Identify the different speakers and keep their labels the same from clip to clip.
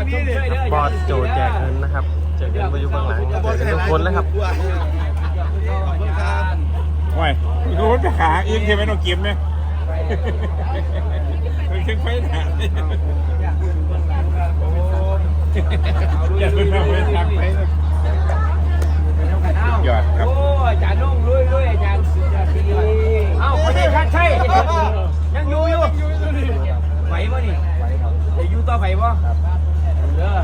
Speaker 1: บอสโจแจกเงินนะครับแจกเงินมาอยู่เบื้องหลังแจกเงินทุกคนเลยครับ
Speaker 2: ว้ายรู้ว่าจะขาอินใช่ไหมน้องกิมไหมเคยไฟหนาอย่าเพิ่งเอาไปทางไปหยอดครับ
Speaker 3: โอ้อาจารย์นุ่งลุยอาจารย์สุดยอดดีเอ้าคนนี้ชัดใช่ยังอยู่ไหวป่ะนี่จะอยู่ต่อไหวป่ะเด้อ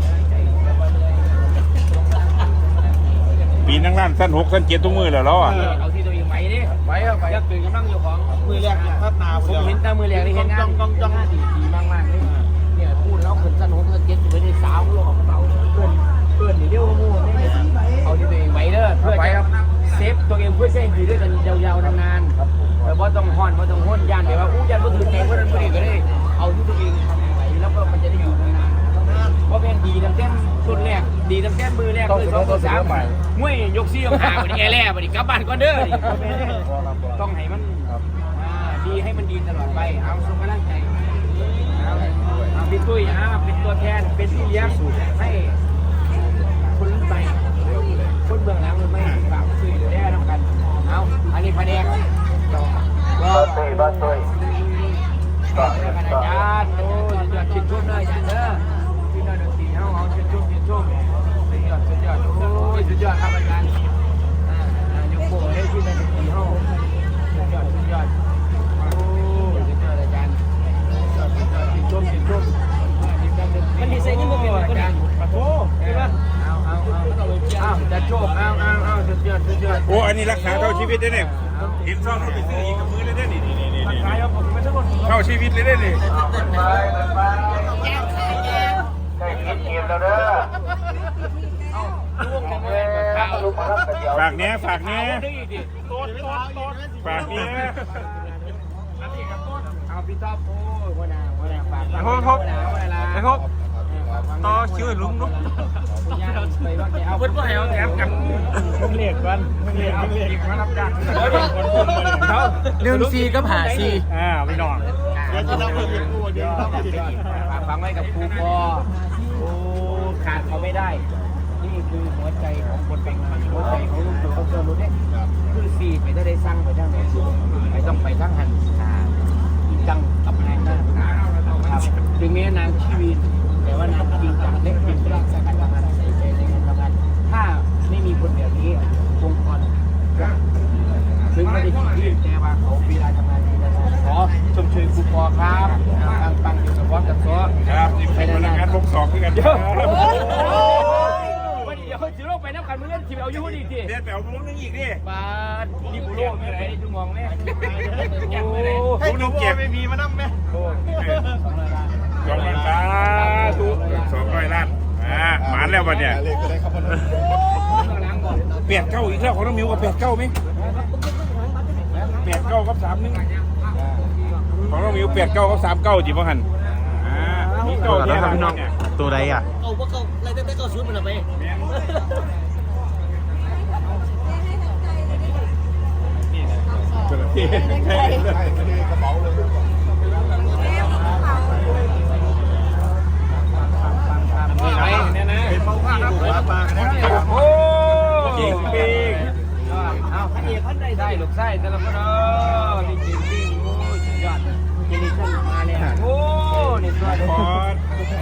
Speaker 2: ปีนั่งร้านสั้น6 สั้น 7ทุกมือแล้วอ่ะ
Speaker 3: เอาที่ตัวเองไหวดิไหวครับไหวอยากตื่นกำลังอยู่ของ
Speaker 4: มือแรกพัฒนา
Speaker 3: ผมเห็นแต่มือแรกนี่เห็นงานจ้องดีมากเลยเนี่ยพูดแล้วคนสนุกเก็ตอยู่ในสาวโลกของเสาเพื่อนเดียวมู่นี่เอาที่ตัวเองไหวเด้อเพื่อจะเซฟตัวเองเพื่อใช้อยู่ด้วยกันยาวๆนานๆแต่ว่าต้องห่อนว่าต้องห้นยานแบบว่าอู้ยานก็ถือแกงว่านั้นไม่ได้ก็ได้เอาที่ตัวเองไหวแล้วก็มันจะได้อยู่นานๆเพราะเป็นดีตั้งแต่ชุดแรกดีตั้งแต่มือแรกเลย2 3มวยยกซี่ยกหาวันนี้แร่วันนี้กลับบ้านก่อนเด้อต้องให้มันดีให้มันดีตลอดไปเอาส่งกำลังใจเอาพี่ตุ้ยเป็นตัวแทนเป็นที่เลี้ยงให้คนใหม่คนเบื้องหลังมันไม่ฝากช่วยเหลือได้ทำกันเอาอันนี้พะแนกบ้านตุ้ยอาจารย์โอ้ยยอดชิดชุ่มเลยอาจารย์เด้อพี่น้อยดนตรีเอาชิดชุ่มสุดยอดโอ้ยสุดยอดครับอาจารย์ยกโบให้พี่น้อยดนตรีเอาสุดยอดโอ้ยสุดยอดอาจารย์ชิดชุ่มมันดีไซน์ยิ่งกว่าเป็นคนอื่นปะโถใช่ปะเอาจะโชคเอาสุดยอด
Speaker 2: โอ้อันนี้รักษาเท่าชีวิตได้เนี่ยเห็นซ่องเขาไปซื้ออีกกับมือเลยได้นี่เข้าชีวิตเลยได้นี่ฝากเนี้ยฝากเนี้ย
Speaker 3: เอาพี่ท็อปโอ้ยหัวหน้าฝาก
Speaker 1: ไอ้พวกต่อคิวลุ้ม
Speaker 3: เอาเพื่อนก็ให้เอาแถมกันมึงเรียกกันมารับจ้าง
Speaker 1: 1-4กับ5-4
Speaker 2: ไม่นอน
Speaker 3: ฟังไว้กับครูปอโอ้ขาดเขาไม่ได้นี่คือหัวใจของคนเป็นหัวใจของลูกตัวเขาเจอรู้เนี่ยคือสี่ไปได้สร้างไปได้ไหนไม่ต้องไปทั้งหันจริงจังกับงานนะครับถึงแม้นางชีวิตแต่ว่านางจริงจังเล็กจริงจังการทำงานใส่ใจในการทำงานถ้าไม่มีคนแบบนี้องค์กรถึงไม่ได้ที่แต่ว่าเขาเวลาทำงานขอชมเชยครูปอครับปังอยู่กับวอสกับซอ
Speaker 2: ครับไปในงานลง2ด้วยกันเดี๋ยว
Speaker 3: จิโร่ไปน้ำกันเมื่อเล่นทีมเอาอยู่ดีที
Speaker 2: เดี๋ยวแปลวมุ้งนึงอีกดิ
Speaker 3: บ้านดิบุโร่ไม่ได้ดูมองแม่
Speaker 2: ให้ดูเก็บไม่มีมานั่งไหม200 ล้านทุก200 ล้านหมานแล้ววันเนี่ยเปลี่ยนเก้าอีกแล้วของน้องมิวกับเปลี่ยนเก้าไหมเปลี่ยนเก้ากับ3-1ของน้องมิวเปลี่ยนเก้ากับ3-9จีบหัน
Speaker 1: มีเก้าเยอะครับพี่น้องตัวใดอ่ะ
Speaker 3: เอาว่าเก้าอะไรได้เก้าชุดมันอะไร
Speaker 4: กระเป๋าเลยเป็นบ้าผ้าครับปากนะ
Speaker 3: โอ้จริงจริงเอาขันเดียขันได้ลูกไส้แต่ละคนจริงจริงโอ้ยสุดยอดเจนิสันมาเลยโอ้นี่ตัวคอร์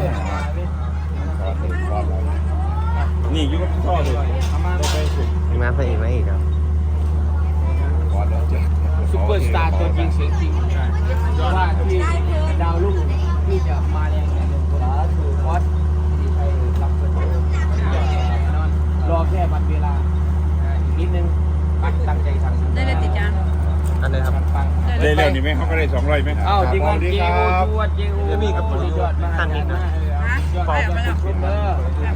Speaker 2: นี่ยุ่งพ่อเลย
Speaker 1: งานใส่อีกไหมอีกครับ
Speaker 3: ซุปเปอร์สตาร์ตัวจริงเสียงจริงว่าที่ดาวรุ่งที่จะมาแรงในหนึ่งคนคือคอสที่ไทยรับเงินรอแค่วันเวลาอีกนิดนึงตั้งใจทำ
Speaker 5: ได้เลยติจาน
Speaker 1: อันนี้ครับ
Speaker 2: ได้แล้วนี่ไหมเขาก็ได้200ไหม
Speaker 3: อ้าวจริงจริงจะมีกับผมยอดมากท่านนี้นะ
Speaker 5: ไปออกมาแล้ว
Speaker 3: ซุปเปอร์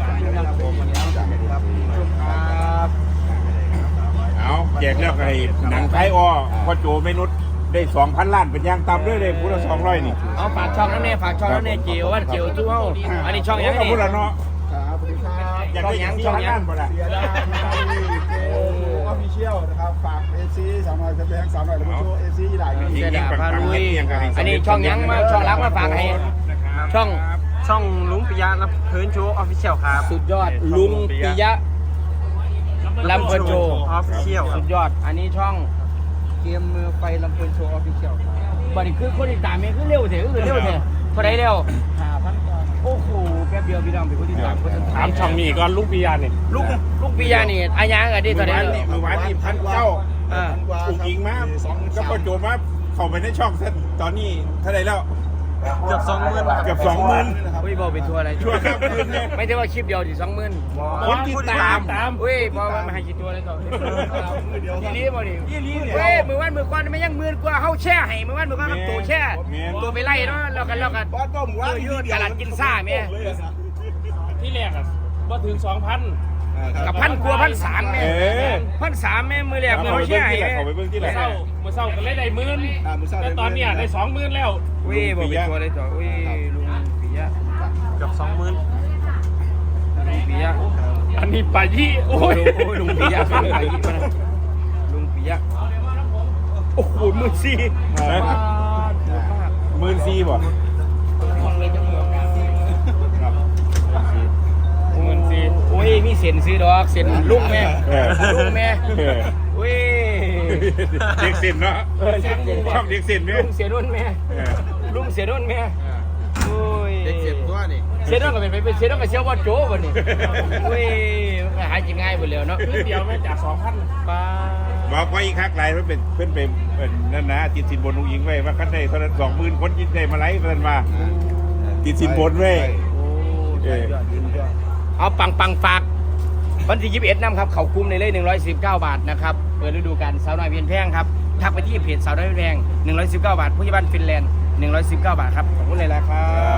Speaker 2: เอาแจกแล้วไอ้หนังไทยอ้อพ่อโจไม่นุษได้ 2,000 ล้านเป็นยางต่ำด้วยเลยพูดละ200นี่
Speaker 3: เอาฝากช่องนั้นเนี่ยฝากช่องนั้นเนี่ยเจียวว่าเจียวตู้เฮาอันนี้ช่องยังไง
Speaker 2: พูดละเนาะ
Speaker 4: อยาก
Speaker 2: ได้ยังช่องยังบ่ล่ะ
Speaker 4: ออฟฟิเชียลนะครับฝากเอซีสาวน้อยแบงค์สาวน้อยแล้วก็เอซีหลาย
Speaker 3: เสียดาพาลุยอันนี้ช่องยังมาช่องรักมาฝากให้ช่อง
Speaker 1: ช่องลุงปิยะรับเพินโชว์ออฟฟิเชียลครับ
Speaker 3: สุดยอดลุงปิยะลำเพลินโชว์
Speaker 1: ออฟฟิเชียล
Speaker 3: สุดยอดอันนี้ช่องเกมมือไฟลำเพลินโชว์ออฟฟิเชียลบัดนี้คือคนติดตามเองคือเร็วเถอะคือเร็วเถอะเท่าไรเร็วโอ้โหแป๊บเดียวพี่น้องเป็นคนติดตามคน
Speaker 2: ถามช่องมีก่อนลูกปียานี่
Speaker 3: ลูกปิยะนี่อายังอะดิเท่าไร
Speaker 2: มือวานนี่พันเก้าอุกอิงมาก็ประโจมมาเข้าไปในช่องเส้นตอนนี้เท่าไหร่แล้ว
Speaker 1: เกือบ20,000นะครับ
Speaker 2: เกือบ20,000
Speaker 3: อุ้ยบอกไปทัวร์อะไร
Speaker 2: ชั่วครับคืนเนี่ย
Speaker 3: ไม่ได้ว่าคลิปเดียวดิ20,000
Speaker 2: คนติดตาม
Speaker 3: อุ้ยบอกว่ามาให้กี่ตัวเลยต่อทีนี้บ่ดิเว้ยมือวันมือก้อนไม่ยังมือกว่าเฮาแช่ให้มือวันมือก้อนกับตัวแช่ตัวไปไล่เนาะแล้วกันยืดกระลัดกินซ่าแม่
Speaker 2: ที่แรกอ่ะว่าถึง 2,000
Speaker 3: กับ1,000 กว่า1,300แม่1,300แม่มือแรกมือเฮาแช่ให้
Speaker 2: เขาไปเบิ่งที่ไหนเมื่อเช้าก็เลยได้10,000แต่ตอนเนี้ยได้20,000แล้ว
Speaker 3: อุ้ยบอกไปทัวร์เลยต่ออุ้ยลุงปิยะ
Speaker 1: เกือบ20,000
Speaker 3: ลุงปิยะ
Speaker 2: อันนี้ปายี่โอ้
Speaker 3: โอ้
Speaker 2: ย
Speaker 3: ยลุงปิยะลุงปิยะลุงปิยะโอ้โหมือซี่
Speaker 2: 14,000บ่
Speaker 3: โอ้ยมีเส้นซื้อดอกเส้นลุงแม่ลุงแม่เว้ย
Speaker 2: เด็กสินเนาะชอบเด็กสินไหม
Speaker 3: ลุงเสียนุ่นแม่ลุงเสียนุ่นแม่โอ้ย
Speaker 4: เด็กเจ็บตัวนี่
Speaker 3: เสียนุ่นก็เป็นเสียนุ่นก็เสียว่าโจ้บ่นี่เว้ยหายกินง่ายหมดแล้วเนาะ
Speaker 2: เดียวแม่จาก 2,000
Speaker 3: ป้า
Speaker 2: บอกว่าอีกครั้งไรเพื่อนเป็นนั่นนะติดสินบนลุงยิงไว้ว่าขั้นได้เท่านั้น20,000 คนยินได้มาไล่เพื่อนมาติดสินบนไว้
Speaker 3: เอาปังฝากวันที่21นำครับเขาคุ้มในเลข119 บาทนะครับเปิดฤดูกาลสาวน้อยเพียนแพงครับทักไปที่เพจสาวน้อยเพียนแพง119 บาทผู้ใหญ่บ้านฟินแลนด์119 บาทครับขอบคุณเลยละครับ